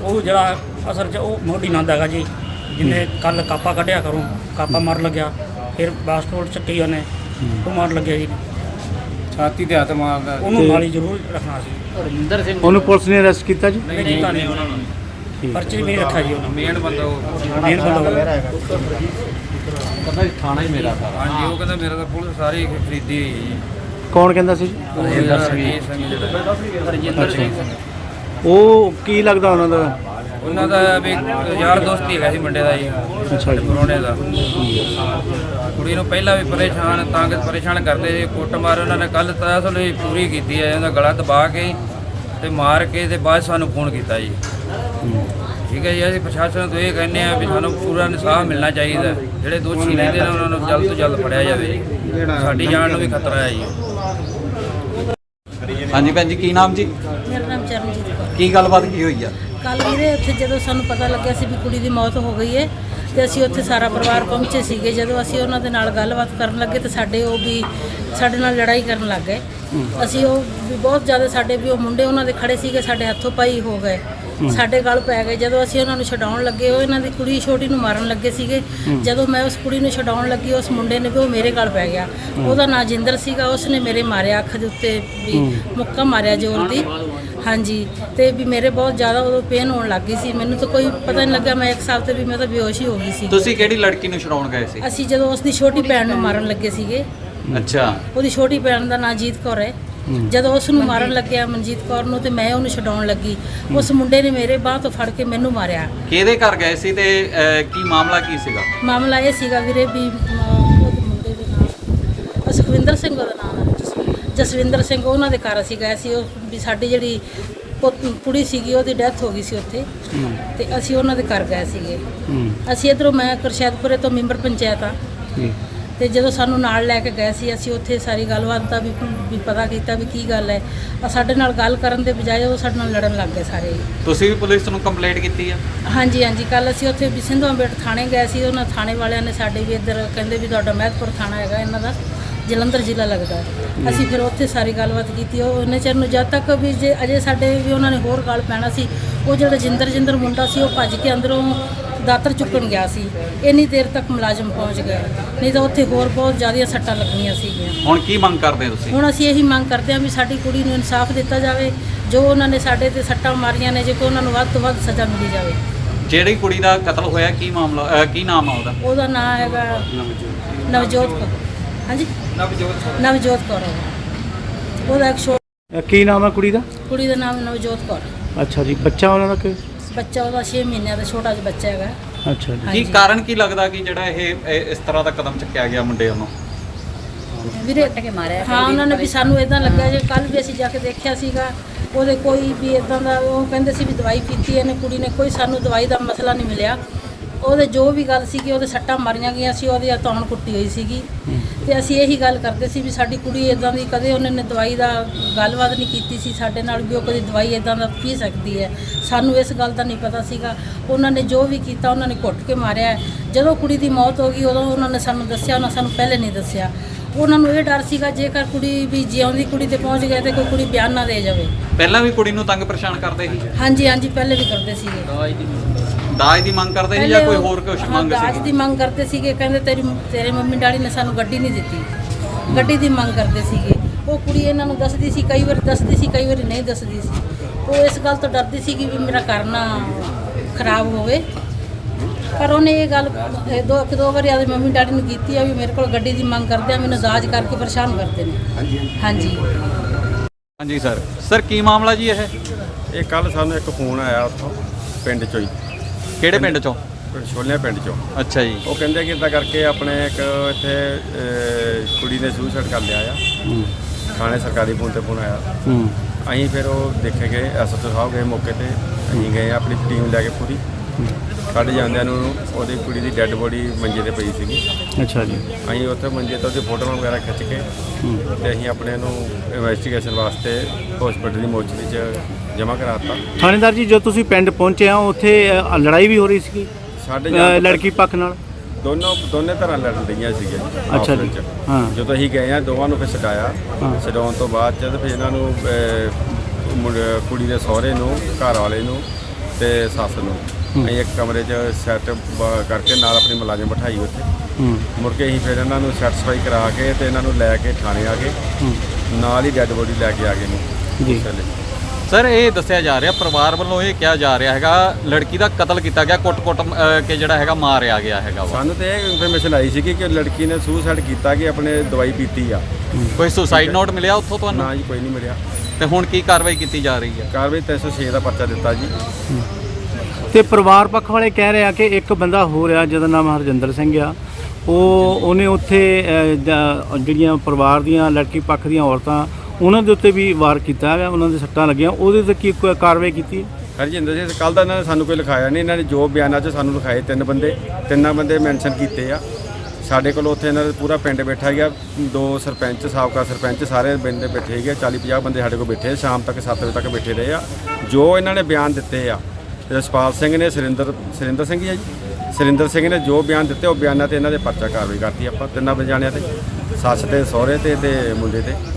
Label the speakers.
Speaker 1: ਉਹ ਜਿਹੜਾ ਅਸਲ 'ਚ ਉਹ ਮੋਢੀ ਨੰਦ ਹੈਗਾ ਜੀ, ਜਿਹਨੇ ਕੱਲ ਕਾਪਾ ਕੱਢਿਆ ਕਰੋ, ਕਾਪਾ ਮਾਰ ਲੱਗਿਆ, ਫਿਰ ਬਾਸਕਟ ਚੱਕੀ ਉਹਨੇ ਉਹ ਮਾਰ ਲੱਗਿਆ ਜੀ,
Speaker 2: ਛਾਤੀ ਤੇ ਹੱਥ ਮਾਰਦਾ।
Speaker 1: ਉਹਨੂੰ ਨਾਲ ਹੀ ਜ਼ਰੂਰ ਰੱਖਣਾ ਸੀ।
Speaker 3: ਰਜਿੰਦਰ ਸਿੰਘ
Speaker 4: ਉਹਨੂੰ ਪੁਲਿਸ ਨੇ ਅਰੈਸਟ ਕੀਤਾ ਜੀ?
Speaker 1: ਨਹੀਂ ਕੀਤਾ ਨਹੀਂ ਉਹਨਾਂ ਨੂੰ, ਪਰਚੇ ਵੀ ਨਹੀਂ ਰੱਖਿਆ ਜੀ ਉਹਨਾਂ
Speaker 2: ਮੇਨ ਬੰਦਾ ਉਹ
Speaker 1: ਮੇਨ ਬੰਦਾ ਉਹ।
Speaker 3: ਕਹਿੰਦਾ ਥਾਣਾ ਹੀ ਮੇਰਾ ਸਾਰਾ।
Speaker 2: ਹਾਂਜੀ, ਉਹ ਕਹਿੰਦਾ ਮੇਰਾ ਤਾਂ ਪੁਲਿਸ ਸਾਰੀ ਖਰੀਦੀ ਹੋਈ ਹੈ ਜੀ।
Speaker 4: ਕੌਣ ਕਹਿੰਦਾ ਸੀ?
Speaker 3: ਰਜਿੰਦਰ ਸਿੰਘ
Speaker 2: ਰਜਿੰਦਰ ਸਿੰਘ।
Speaker 4: ਉਹ ਕੀ ਲੱਗਦਾ ਉਹਨਾਂ ਦਾ?
Speaker 2: ਉਹਨਾਂ ਦਾ ਵੀ ਯਾਰ ਦੋਸਤ ਹੀ ਹੈਗਾ ਸੀ ਮੁੰਡੇ ਦਾ ਜੀ,
Speaker 4: ਅੱਛਾ ਜੀ।
Speaker 2: ਪਰੋਣੇ ਦਾ। ਕੁੜੀ ਨੂੰ ਪਹਿਲਾਂ ਵੀ ਪਰੇਸ਼ਾਨ ਕਰਦੇ ਸੀ, ਕੁੱਟਮਾਰ ਉਹਨਾਂ ਨੇ ਕੱਲ੍ਹ ਤਸਲ ਪੂਰੀ ਕੀਤੀ ਹੈ। ਉਹਦਾ ਗਲਾ ਦਬਾ ਕੇ ਤੇ ਮਾਰ ਕੇ ਤੇ ਬਾਅਦ ਸਾਨੂੰ ਫੋਨ ਕੀਤਾ ਜੀ। ਠੀਕ ਹੈ ਜੀ, ਅਸੀਂ ਪ੍ਰਸ਼ਾਸਨ ਤੋਂ ਇਹ ਕਹਿੰਦੇ ਆ ਵੀ ਸਾਨੂੰ ਪੂਰਾ ਇਨਸਾਫ ਮਿਲਣਾ ਚਾਹੀਦਾ। ਜਿਹੜੇ ਦੋਸ਼ੀ ਰਹਿੰਦੇ ਨੇ ਉਹਨਾਂ ਨੂੰ ਜਲਦ ਤੋਂ ਜਲਦ ਫੜਿਆ ਜਾਵੇ ਜੀ, ਸਾਡੀ ਜਾਨ ਨੂੰ ਵੀ ਖਤਰਾ ਹੈ ਜੀ।
Speaker 3: ਹਾਂਜੀ ਭੈਣ ਜੀ, ਕੀ ਨਾਮ ਜੀ?
Speaker 5: ਮੇਰਾ ਨਾਮ ਚਰਨਜੀਤ ਕੌਰ।
Speaker 3: ਕੀ ਗੱਲਬਾਤ ਕੀ ਹੋਈ ਆ?
Speaker 5: ਕੱਲ੍ਹ ਵੀਰੇ ਉੱਥੇ ਜਦੋਂ ਸਾਨੂੰ ਪਤਾ ਲੱਗਿਆ ਸੀ ਵੀ ਕੁੜੀ ਦੀ ਮੌਤ ਹੋ ਗਈ ਹੈ ਤੇ ਅਸੀਂ ਉੱਥੇ ਸਾਰਾ ਪਰਿਵਾਰ ਪਹੁੰਚੇ ਸੀਗੇ। ਜਦੋਂ ਅਸੀਂ ਉਹਨਾਂ ਦੇ ਨਾਲ ਗੱਲਬਾਤ ਕਰਨ ਲੱਗੇ ਤੇ ਸਾਡੇ ਨਾਲ ਲੜਾਈ ਕਰਨ ਲੱਗ ਗਏ। ਅਸੀਂ ਉਹ ਵੀ ਬਹੁਤ ਜ਼ਿਆਦਾ ਸਾਡੇ ਵੀ ਉਹ ਮੁੰਡੇ ਉਹਨਾਂ ਦੇ ਖੜੇ ਸੀਗੇ, ਸਾਡੇ ਹੱਥੋਂ ਪਾਈ ਹੋ ਗਏ, ਸਾਡੇ ਗਲ ਪੈ ਗਏ। ਜਦੋਂ ਅਸੀਂ ਉਹਨਾਂ ਨੂੰ ਛਡਾਉਣ ਲੱਗੇ, ਉਹ ਇਹਨਾਂ ਦੀ ਕੁੜੀ ਛੋਟੀ ਨੂੰ ਮਾਰਨ ਲੱਗੇ ਸੀਗੇ। ਜਦੋਂ ਮੈਂ ਉਸ ਕੁੜੀ ਨੂੰ ਛਡਾਉਣ ਲੱਗੀ, ਉਸ ਮੁੰਡੇ ਨੇ ਵੀ ਉਹ ਮੇਰੇ ਗਲ ਪੈ ਗਿਆ। ਉਹਦਾ ਨਾਂ ਜਿੰਦਰ ਸੀਗਾ, ਉਸਨੇ ਮੇਰੇ ਮਾਰਿਆ, ਅੱਖ ਦੇ ਉੱਤੇ ਵੀ ਮੁੱਕਾ ਮਾਰਿਆ ਜ਼ੋਰ ਦੀ। ਹਾਂਜੀ, ਤੇ ਵੀ ਮੇਰੇ ਬਹੁਤ ਜ਼ਿਆਦਾ ਉਦੋਂ ਪੇਨ ਹੋਣ ਲੱਗ ਗਈ ਸੀ। ਮੈਨੂੰ ਤਾਂ ਕੋਈ ਪਤਾ ਨਹੀਂ ਲੱਗਾ, ਮੈਂ ਇੱਕ ਸਾਲ ਤੇ ਵੀ ਮੈਂ ਤਾਂ ਬੇਹੋਸ਼ ਹੀ ਹੋ ਗਈ ਸੀ।
Speaker 3: ਤੁਸੀਂ ਕਿਹੜੀ ਲੜਕੀ ਨੂੰ ਛਡਾਉਣ ਗਏ ਸੀ?
Speaker 5: ਅਸੀਂ ਜਦੋਂ ਉਸ ਦੀ ਛੋਟੀ ਭੈਣ ਨੂੰ ਮਾਰਨ ਲੱਗੇ ਸੀਗੇ।
Speaker 3: ਅੱਛਾ,
Speaker 5: ਉਹਦੀ ਛੋਟੀ ਭੈਣ ਦਾ ਨਾਂ ਜੀਤ ਕੌਰ ਹੈ। ਜਦੋਂ ਉਸ ਨੂੰ ਮਾਰਨ ਲੱਗਿਆ ਮਨਜੀਤ ਕੌਰ ਨੂੰ, ਤੇ ਮੈਂ ਉਹਨੂੰ ਛਡਾਉਣ ਲੱਗੀ, ਉਸ ਮੁੰਡੇ ਨੇ ਮੇਰੇ ਬਾਹ ਤੋਂ ਫੜ ਕੇ ਮੈਨੂੰ ਮਾਰਿਆ।
Speaker 3: ਕਿਹਦੇ ਘਰ ਗਏ ਸੀ ਤੇ ਕੀ ਮਾਮਲਾ ਕੀ ਸੀਗਾ?
Speaker 5: ਮਾਮਲਾ ਇਹ ਸੀਗਾ ਵੀਰੇ ਵੀ ਉਹਦੇ ਮੁੰਡੇ ਦੇ ਨਾਮ ਸੁਖਵਿੰਦਰ ਸਿੰਘ, ਉਹਦਾ ਨਾਮ ਹੈ ਜਸਵਿੰਦਰ ਸਿੰਘ। ਉਹਨਾਂ ਦੇ ਘਰ ਅਸੀਂ ਗਏ ਸੀ। ਉਹ ਵੀ ਸਾਡੀ ਜਿਹੜੀ ਕੁੜੀ ਸੀਗੀ ਉਹਦੀ ਡੈਥ ਹੋ ਗਈ ਸੀ ਉੱਥੇ, ਤੇ ਅਸੀਂ ਉਹਨਾਂ ਦੇ ਘਰ ਗਏ ਸੀਗੇ। ਅਸੀਂ ਇੱਧਰੋਂ ਮੈਂ ਕਰਸ਼ੈਦਪੁਰੇ ਤੋਂ ਮੈਂਬਰ ਪੰਚਾਇਤ ਆ, ਤੇ ਜਦੋਂ ਸਾਨੂੰ ਨਾਲ ਲੈ ਕੇ ਗਏ ਸੀ, ਅਸੀਂ ਉੱਥੇ ਸਾਰੀ ਗੱਲਬਾਤ ਦਾ ਵੀ ਪਤਾ ਕੀਤਾ ਵੀ ਕੀ ਗੱਲ ਹੈ। ਸਾਡੇ ਨਾਲ ਗੱਲ ਕਰਨ ਦੇ ਬਜਾਏ ਉਹ ਸਾਡੇ ਨਾਲ ਲੜਨ ਲੱਗ ਗਏ ਸਾਰੇ।
Speaker 3: ਤੁਸੀਂ ਵੀ ਪੁਲਿਸ ਨੂੰ ਕੰਪਲੇਂਟ ਕੀਤੀ ਆ?
Speaker 5: ਹਾਂਜੀ, ਕੱਲ ਅਸੀਂ ਉੱਥੇ ਵੀ ਸਿੰਧੂਆਂਬੇਟ ਥਾਣੇ ਗਏ ਸੀ। ਉਹਨਾਂ ਥਾਣੇ ਵਾਲਿਆਂ ਨੇ ਸਾਡੇ ਵੀ ਇੱਧਰ ਕਹਿੰਦੇ ਵੀ ਤੁਹਾਡਾ ਮਹਿਤਪੁਰ ਥਾਣਾ ਹੈਗਾ, ਇਹਨਾਂ ਦਾ ਜਲੰਧਰ ਜ਼ਿਲ੍ਹਾ ਲੱਗਦਾ। ਅਸੀਂ ਫਿਰ ਉੱਥੇ ਸਾਰੀ ਗੱਲਬਾਤ ਕੀਤੀ। ਉਹ ਉਹਨੇ ਚਿਰ ਨੂੰ ਜਦ ਤੱਕ ਵੀ ਜੇ ਅਜੇ ਸਾਡੇ ਵੀ ਉਹਨਾਂ ਨੇ ਹੋਰ ਗੱਲ ਪੈਣਾ ਸੀ। ਉਹ ਜਿਹੜਾ ਜਿੰਦਰ ਮੁੰਡਾ ਸੀ, ਉਹ ਭੱਜ ਕੇ ਅੰਦਰੋਂ ਦਾਤਰ ਚੁੱਕਣ ਗਿਆ ਸੀ। ਇੰਨੀ ਦੇਰ ਤੱਕ ਮੁਲਾਜ਼ਮ ਪਹੁੰਚ ਗਏ, ਨਹੀਂ ਤਾਂ ਉੱਥੇ ਹੋਰ ਬਹੁਤ ਜ਼ਿਆਦੀਆਂ ਸੱਟਾਂ ਲੱਗਣੀਆਂ ਸੀਗੀਆਂ।
Speaker 3: ਹੁਣ ਕੀ ਮੰਗ ਕਰਦੇ ਤੁਸੀਂ?
Speaker 5: ਹੁਣ ਅਸੀਂ ਇਹੀ ਮੰਗ ਕਰਦੇ ਹਾਂ ਵੀ ਸਾਡੀ ਕੁੜੀ ਨੂੰ ਇਨਸਾਫ ਦਿੱਤਾ ਜਾਵੇ। ਜੋ ਉਹਨਾਂ ਨੇ ਸਾਡੇ ਤੇ ਸੱਟਾਂ ਮਾਰੀਆਂ ਨੇ, ਜੇ ਕੋਈ ਉਹਨਾਂ ਨੂੰ ਵੱਧ ਤੋਂ ਵੱਧ ਸਜ਼ਾ ਮਿਲੀ ਜਾਵੇ।
Speaker 3: ਜਿਹੜੀ ਕੁੜੀ ਦਾ ਕਤਲ ਹੋਇਆ, ਕੀ ਮਾਮਲਾ ਕੀ ਨਾਮ ਆ ਉਹਦਾ?
Speaker 5: ਉਹਦਾ ਨਾਮ ਹੈਗਾ ਨਵਜੋਤ ਕੌਰ। ਹਾਂਜੀ, ਨਵਜੋਤ ਕੌਰ। ਉਹਦਾ ਇੱਕ
Speaker 4: ਕੀ ਨਾਮ ਹੈ ਕੁੜੀ ਦਾ?
Speaker 5: ਕੁੜੀ ਦਾ ਨਾਮ ਨਵਜੋਤ ਕੌਰ।
Speaker 4: ਅੱਛਾ ਜੀ। ਬੱਚਾ ਉਹਨਾਂ ਦਾ ਕੀ?
Speaker 5: ਬੱਚਾ ਉਹਦਾ 6 ਮਹੀਨਿਆਂ ਦਾ ਛੋਟਾ ਜਿਹਾ ਬੱਚਾ ਹੈਗਾ।
Speaker 4: ਅੱਛਾ ਜੀ।
Speaker 3: ਕੀ ਕਾਰਨ ਕੀ ਲੱਗਦਾ ਕਿ ਜਿਹੜਾ ਇਹ ਇਸ ਤਰ੍ਹਾਂ ਦਾ ਕਦਮ ਚੱਕਿਆ ਗਿਆ ਮੁੰਡੇ ਵੱਲੋਂ?
Speaker 5: ਵੀਰੇ ਹਾਂ, ਉਹਨਾਂ ਨੇ ਵੀ ਸਾਨੂੰ ਇਦਾਂ ਲੱਗਿਆ ਜੇ ਕੱਲ ਵੀ ਅਸੀਂ ਜਾ ਕੇ ਦੇਖਿਆ ਸੀਗਾ, ਉਹਦੇ ਕੋਈ ਵੀ ਇਦਾਂ ਦਾ ਉਹ ਕਹਿੰਦੇ ਸੀ ਵੀ ਦਵਾਈ ਪੀਤੀ ਇਹਨੇ ਕੁੜੀ ਨੇ, ਕੋਈ ਸਾਨੂੰ ਦਵਾਈ ਦਾ ਮਸਲਾ ਨਹੀਂ ਮਿਲਿਆ। ਉਹਦੇ ਜੋ ਵੀ ਗੱਲ ਸੀਗੀ, ਉਹਦੇ ਸੱਟਾਂ ਮਾਰੀਆਂ ਗਈਆਂ ਸੀ, ਉਹਦੀ ਧੌਣ ਕੁੱਟੀ ਹੋਈ ਸੀਗੀ। ਤੇ ਅਸੀਂ ਇਹੀ ਗੱਲ ਕਰਦੇ ਸੀ ਵੀ ਸਾਡੀ ਕੁੜੀ ਇਦਾਂ ਦੀ ਕਦੇ ਉਹਨਾਂ ਨੇ ਦਵਾਈ ਦਾ ਗੱਲਬਾਤ ਨਹੀਂ ਕੀਤੀ ਸੀ ਸਾਡੇ ਨਾਲ ਵੀ ਉਹ ਕਦੀ ਦਵਾਈ ਇਦਾਂ ਦਾ ਪੀ ਸਕਦੀ ਹੈ। ਸਾਨੂੰ ਇਸ ਗੱਲ ਦਾ ਨਹੀਂ ਪਤਾ ਸੀਗਾ। ਉਹਨਾਂ ਨੇ ਜੋ ਵੀ ਕੀਤਾ, ਉਹਨਾਂ ਨੇ ਘੁੱਟ ਕੇ ਮਾਰਿਆ। ਜਦੋਂ ਕੁੜੀ ਦੀ ਮੌਤ ਹੋ ਗਈ, ਉਦੋਂ ਉਹਨਾਂ ਨੇ ਸਾਨੂੰ ਦੱਸਿਆ, ਉਹਨਾਂ ਸਾਨੂੰ ਪਹਿਲੇ ਨਹੀਂ ਦੱਸਿਆ। ਉਹਨਾਂ ਨੂੰ ਇਹ ਡਰ ਸੀਗਾ ਜੇਕਰ ਕੁੜੀ ਵੀ ਜਿਉਂਦੀ ਕੁੜੀ ਤੇ ਪਹੁੰਚ ਗਏ ਤੇ ਕੋਈ ਕੁੜੀ ਬਿਆਨ ਨਾ ਦੇ ਜਾਵੇ।
Speaker 3: ਪਹਿਲਾਂ ਵੀ ਕੁੜੀ ਨੂੰ ਤੰਗ ਪਰੇਸ਼ਾਨ ਕਰਦੇ ਸੀ?
Speaker 5: ਹਾਂਜੀ, ਪਹਿਲੇ ਵੀ ਕਰਦੇ ਸੀਗੇ।
Speaker 3: ਦਾਜ ਦੀ ਮੰਗ ਕਰਦੇ ਸੀ ਜਾਂ ਕੋਈ ਹੋਰ ਕੁਝ ਮੰਗ ਸੀ?
Speaker 5: ਦਾਜ ਦੀ ਮੰਗ ਕਰਦੇ ਸੀਗੇ। ਕਹਿੰਦੇ ਤੇਰੇ ਮੰਮੀ ਡੈਡੀ ਨੇ ਸਾਨੂੰ ਗੱਡੀ ਨਹੀਂ ਦਿੱਤੀ, ਗੱਡੀ ਦੀ ਮੰਗ ਕਰਦੇ ਸੀਗੇ। ਉਹ ਕੁੜੀ ਇਹਨਾਂ ਨੂੰ ਦੱਸਦੀ ਸੀ, ਕਈ ਵਾਰੀ ਦੱਸਦੀ ਸੀ, ਕਈ ਵਾਰੀ ਨਹੀਂ ਦੱਸਦੀ ਸੀ। ਉਹ ਇਸ ਗੱਲ ਤੋਂ ਡਰਦੀ ਸੀ ਕਿ ਵੀ ਮੇਰਾ ਘਰ ਨਾ ਖਰਾਬ ਹੋਵੇ। ਪਰ ਉਹਨੇ ਇਹ ਗੱਲ ਦੋ ਵਾਰੀ ਆਪਣੀ ਮੰਮੀ ਡੈਡੀ ਨੂੰ ਕੀਤੀ ਆ ਵੀ ਮੇਰੇ ਕੋਲ ਗੱਡੀ ਦੀ ਮੰਗ ਕਰਦੇ ਆ, ਮੈਨੂੰ ਦਾਜ ਕਰਕੇ ਪਰੇਸ਼ਾਨ ਕਰਦੇ ਨੇ।
Speaker 3: ਹਾਂਜੀ ਸਰ ਕੀ ਮਾਮਲਾ ਜੀ?
Speaker 6: ਇਹ ਕੱਲ ਸਾਨੂੰ ਇੱਕ ਫੋਨ ਆਇਆ ਉੱਥੋਂ ਪਿੰਡ ਚੋਂ ਹੀ।
Speaker 3: ਕਿਹੜੇ ਪਿੰਡ ਚੋਂ?
Speaker 6: ਛੋਲਿਆਂ ਪਿੰਡ ਚੋਂ।
Speaker 3: ਅੱਛਾ ਜੀ।
Speaker 6: ਉਹ ਕਹਿੰਦੇ ਕਿ ਇੱਦਾਂ ਕਰਕੇ ਆਪਣੇ ਇੱਕ ਇੱਥੇ ਕੁੜੀ ਨੇ ਸੁਸਾਈਡ ਕਰ ਲਿਆ ਆ। ਥਾਣੇ ਸਰਕਾਰੀ ਫੋਨ ਤੇ ਫੋਨ ਆਇਆ। ਅਸੀਂ ਫਿਰ ਉਹ ਦੇਖੇ ਗਏ, ਐਸਐਚਓ ਸਾਹਿਬ ਗਏ ਮੌਕੇ ਤੇ, ਅਸੀਂ ਗਏ ਆਪਣੀ ਟੀਮ ਲੈ ਕੇ ਪੂਰੀ। ਕੱਢ ਜਾਂਦਿਆਂ ਨੂੰ ਉਹਦੀ ਕੁੜੀ ਦੀ ਡੈੱਡ ਬੋਡੀ ਮੰਜੇ ਤੇ ਪਈ ਸੀਗੀ।
Speaker 4: ਅੱਛਾ ਜੀ।
Speaker 6: ਅਸੀਂ ਉੱਥੇ ਮੰਜੇ ਤੋਂ ਉਹਦੀ ਫੋਟੋਆਂ ਵਗੈਰਾ ਖਿੱਚ ਕੇ ਤੇ ਅਸੀਂ ਆਪਣੇ ਨੂੰ ਇਨਵੈਸਟੀਗੇਸ਼ਨ ਵਾਸਤੇ ਹਸਪੀਟਲ ਦੀ ਮੋਰਚਰੀ 'ਚ ਜਮ੍ਹਾਂ ਕਰਾਤਾ।
Speaker 4: ਥਾਣੇਦਾਰ ਜੀ, ਜਦੋਂ ਤੁਸੀਂ ਪਿੰਡ ਪਹੁੰਚੇ ਆ, ਉੱਥੇ ਲੜਾਈ ਵੀ ਹੋ ਰਹੀ ਸੀਗੀ
Speaker 6: ਸਾਡੇ
Speaker 4: ਲੜਕੀ ਪੱਖ ਨਾਲ?
Speaker 6: ਦੋਨੇ ਤਰ੍ਹਾਂ ਲੜ ਰਹੀਆਂ ਸੀਗੀਆਂ।
Speaker 4: ਅੱਛਾ ਜੀ। ਹਾਂ।
Speaker 6: ਜਦੋਂ ਅਸੀਂ ਗਏ ਆ, ਦੋਵਾਂ ਨੂੰ ਫਿਰ ਛਡਾਇਆ। ਛਡਾਉਣ ਤੋਂ ਬਾਅਦ ਜਦ ਫਿਰ ਇਹਨਾਂ ਨੂੰ ਕੁੜੀ ਦੇ ਸਹੁਰੇ ਨੂੰ, ਘਰ ਵਾਲੇ ਨੂੰ ਤੇ ਸੱਸ ਨੂੰ ਅਸੀਂ ਇੱਕ ਕਮਰੇ 'ਚ ਸੈੱਟ ਕਰਕੇ ਨਾਲ ਆਪਣੀ ਮੁਲਾਜ਼ਮ ਬਿਠਾਈ ਉੱਥੇ। ਮੁੜ ਕੇ ਅਸੀਂ ਫਿਰ ਇਹਨਾਂ ਨੂੰ ਸੈਟੀਸਫਾਈ ਕਰਾ ਕੇ ਤੇ ਇਹਨਾਂ ਨੂੰ ਲੈ ਕੇ ਥਾਣੇ ਆ ਗਏ, ਨਾਲ ਹੀ ਡੈੱਡ ਬੋਡੀ ਲੈ ਕੇ ਆ ਗਏ ਨੇ
Speaker 4: ਜੀ।
Speaker 3: ਸਰ ਇਹ ਦੱਸਿਆ ਜਾ ਰਿਹਾ ਪਰਿਵਾਰ ਵੱਲੋਂ, ਇਹ ਕਿਹਾ ਜਾ ਰਿਹਾ ਹੈਗਾ ਲੜਕੀ ਦਾ ਕਤਲ ਕੀਤਾ ਗਿਆ, ਕੁੱਟ-ਕੁੱਟ ਕੇ ਜਿਹੜਾ ਹੈਗਾ ਮਾਰਿਆ ਗਿਆ ਹੈਗਾ ਵਾ।
Speaker 6: ਸਾਨੂੰ ਤੇ ਇਹ ਇਨਫੋਰਮੇਸ਼ਨ ਆਈ ਸੀ ਕਿ ਲੜਕੀ ਨੇ ਸੁਸਾਈਡ ਕੀਤਾ, ਕਿ ਆਪਣੇ ਦਵਾਈ ਪੀਤੀ ਆ।
Speaker 3: ਕੋਈ ਸੁਸਾਈਡ ਨੋਟ ਮਿਲਿਆ ਉੱਥੋਂ ਤੁਹਾਨੂੰ?
Speaker 6: ਨਾ ਜੀ, ਕੋਈ ਨਹੀਂ ਮਿਲਿਆ।
Speaker 3: ਤੇ ਹੁਣ ਕੀ ਕਾਰਵਾਈ ਕੀਤੀ ਜਾ ਰਹੀ ਹੈ?
Speaker 6: ਕਾਰਵਾਈ 306 ਦਾ ਪਰਚਾ ਦਿੱਤਾ ਜੀ।
Speaker 4: ਤੇ ਪਰਿਵਾਰ ਪੱਖ ਵਾਲੇ ਕਹਿ ਰਹੇ ਆ ਕਿ ਇੱਕ ਬੰਦਾ ਹੋ ਰਿਹਾ ਜਿਹਦਾ ਨਾਮ ਹਰਜਿੰਦਰ ਸਿੰਘ ਆ, ਉਹਨੇ ਉੱਥੇ ਜਿਹੜੀਆਂ ਪਰਿਵਾਰ ਦੀਆਂ ਲੜਕੀ ਪੱਖ ਦੀਆਂ ਔਰਤਾਂ ਉਹਨਾਂ ਦੇ ਉੱਤੇ ਵੀ ਵਾਰ ਕੀਤਾ ਹੈਗਾ, ਉਹਨਾਂ ਦੇ ਸੱਟਾਂ ਲੱਗੀਆਂ, ਉਹਦੇ ਤੇ ਕੀ ਕਾਰਵਾਈ ਕੀਤੀ ਹੈ?
Speaker 6: ਹਰਜਿੰਦਰ ਸਿੰਘ ਕੱਲ੍ਹ ਦਾ ਇਹਨਾਂ ਨੇ ਸਾਨੂੰ ਕੋਈ ਲਿਖਾਇਆ ਨਹੀਂ, ਇਹਨਾਂ ਨੇ ਜੋ ਬਿਆਨਾਂ 'ਚ ਸਾਨੂੰ ਲਿਖਾਏ ਤਿੰਨਾਂ ਬੰਦੇ ਮੈਂਸ਼ਨ ਕੀਤੇ ਆ ਸਾਡੇ ਕੋਲ। ਉੱਥੇ ਇਹਨਾਂ ਦਾ ਪੂਰਾ ਪਿੰਡ ਬੈਠਾ ਗਿਆ, 2 ਸਰਪੰਚ, ਸਾਬਕਾ ਸਰਪੰਚ, ਸਾਰੇ ਬੰਦੇ ਬੈਠੇ ਗਏ, 40-50 ਬੰਦੇ ਸਾਡੇ ਕੋਲ ਬੈਠੇ, ਸ਼ਾਮ ਤੱਕ 7 ਵਜੇ ਤੱਕ ਬੈਠੇ ਰਹੇ ਆ। ਜੋ ਇਹਨਾਂ ਨੇ ਬਿਆਨ ਦਿੱਤੇ ਆ, ਰਸਪਾਲ ਸਿੰਘ ਨੇ, ਸੁਰਿੰਦਰ ਸਿੰਘ ਹੀ ਹੈ ਜੀ, ਸੁਰਿੰਦਰ ਸਿੰਘ ਨੇ ਜੋ ਬਿਆਨ ਦਿੱਤੇ ਉਹ ਬਿਆਨਾਂ ਤੇ ਇਹਨਾਂ ਦੇ ਪਰਚਾ ਕਾਰਵਾਈ ਕਰਤੀ ਆਪਾਂ ਤਿੰਨਾਂ ਜਾਣਿਆਂ ਤੇ, ਸੱਸ ਤੇ, ਸਹੁਰੇ ਤੇ ਮੁੰਡੇ ਤੇ।